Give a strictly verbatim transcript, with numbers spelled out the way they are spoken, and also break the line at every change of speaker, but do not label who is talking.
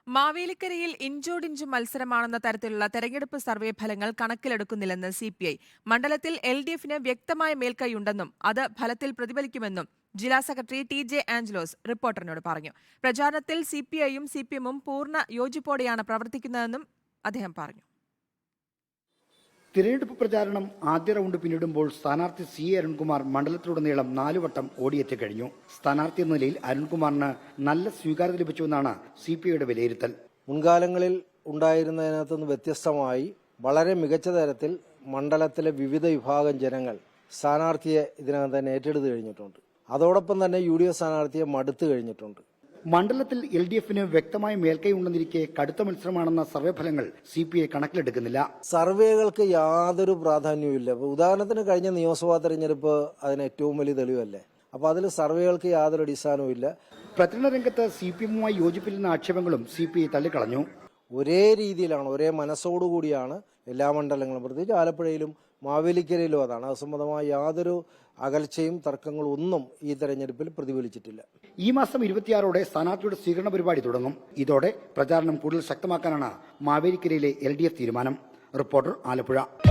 മാവേലിക്കരയിൽ ഇഞ്ചോടിഞ്ച് മത്സരമാണെന്ന തരത്തിലുള്ള തെരഞ്ഞെടുപ്പ് സർവേ ഫലങ്ങൾ കണക്കിലെടുക്കുന്നില്ലെന്ന് സി പി ഐ. മണ്ഡലത്തിൽ എൽ ഡി എഫിന് വ്യക്തമായ മേൽക്കൈയുണ്ടെന്നും അത് ഫലത്തിൽ പ്രതിഫലിക്കുമെന്നും ജില്ലാ സെക്രട്ടറി ടി ജെ ആഞ്ചലോസ് റിപ്പോർട്ടറിനോട് പറഞ്ഞു. പ്രചാരണത്തിൽ സി പി ഐയും സി പി എമ്മും പൂർണ്ണ യോജിപ്പോടെയാണ് പ്രവർത്തിക്കുന്നതെന്നും അദ്ദേഹം പറഞ്ഞു.
തിരഞ്ഞെടുപ്പ് പ്രചാരണം ആദ്യ റൗണ്ട് പിന്നിടുമ്പോൾ സ്ഥാനാർത്ഥി സി എ അരുൺകുമാർ മണ്ഡലത്തിലുടനീളം നാലുവട്ടം ഓടിയെത്തി കഴിഞ്ഞു. സ്ഥാനാർത്ഥി എന്ന നിലയിൽ അരുൺകുമാറിന് നല്ല സ്വീകാര്യത ലഭിച്ചുവെന്നാണ് സി പി ഐയുടെ വിലയിരുത്തൽ.
മുൻകാലങ്ങളിൽ ഉണ്ടായിരുന്നതിനകത്തുനിന്ന് വ്യത്യസ്തമായി വളരെ മികച്ച തരത്തിൽ മണ്ഡലത്തിലെ വിവിധ വിഭാഗം ജനങ്ങൾ സ്ഥാനാർത്ഥിയെ ഇതിനകം തന്നെ ഏറ്റെടുത്ത് കഴിഞ്ഞിട്ടുണ്ട്. അതോടൊപ്പം തന്നെ യു ഡി എഫ് സ്ഥാനാർത്ഥിയെ മടുത്തു കഴിഞ്ഞിട്ടുണ്ട്.
മണ്ഡലത്തിൽ എൽ ഡി എഫിന് വ്യക്തമായ മേൽക്കൈ ഉണ്ടെന്നിരിക്കെ കടുത്ത മത്സരമാണെന്ന സർവേ ഫലങ്ങൾ സി പി ഐ കണക്കിലെടുക്കുന്നില്ല.
സർവേകൾക്ക് യാതൊരു പ്രാധാന്യവുമില്ല. ഉദാഹരണത്തിന് കഴിഞ്ഞ നിയമസഭാ തെരഞ്ഞെടുപ്പ് അതിന് ഏറ്റവും വലിയ തെളിവല്ലേ. അപ്പോൾ അതിൽ സർവേകൾക്ക് യാതൊരു അടിസ്ഥാനവുമില്ല.
പ്രചരണ രംഗത്ത് സി പി എമ്മുമായി യോജിപ്പില്ലെന്ന ആക്ഷേപങ്ങളും സി പി ഐ തള്ളിക്കളഞ്ഞു.
ഒരേ രീതിയിലാണ്, ഒരേ മനസ്സോടുകൂടിയാണ് എല്ലാ മണ്ഡലങ്ങളും, പ്രത്യേകിച്ച് ആലപ്പുഴയിലും മാവേലിക്കരയിലും അതാണ്. അത് സംബന്ധമായ യാതൊരു അകൽച്ചയും തർക്കങ്ങളും ഒന്നും ഈ തെരഞ്ഞെടുപ്പിൽ പ്രതിഫലിച്ചിട്ടില്ല.
ഈ മാസം ഇരുപത്തിയാറോടെ സ്ഥാനാർത്ഥിയുടെ സ്വീകരണ പരിപാടി തുടങ്ങും. ഇതോടെ പ്രചാരണം കൂടുതൽ ശക്തമാക്കാനാണ് മാവേലിക്കരയിലെ എൽ ഡി എഫ് തീരുമാനം. റിപ്പോർട്ടർ, ആലപ്പുഴ.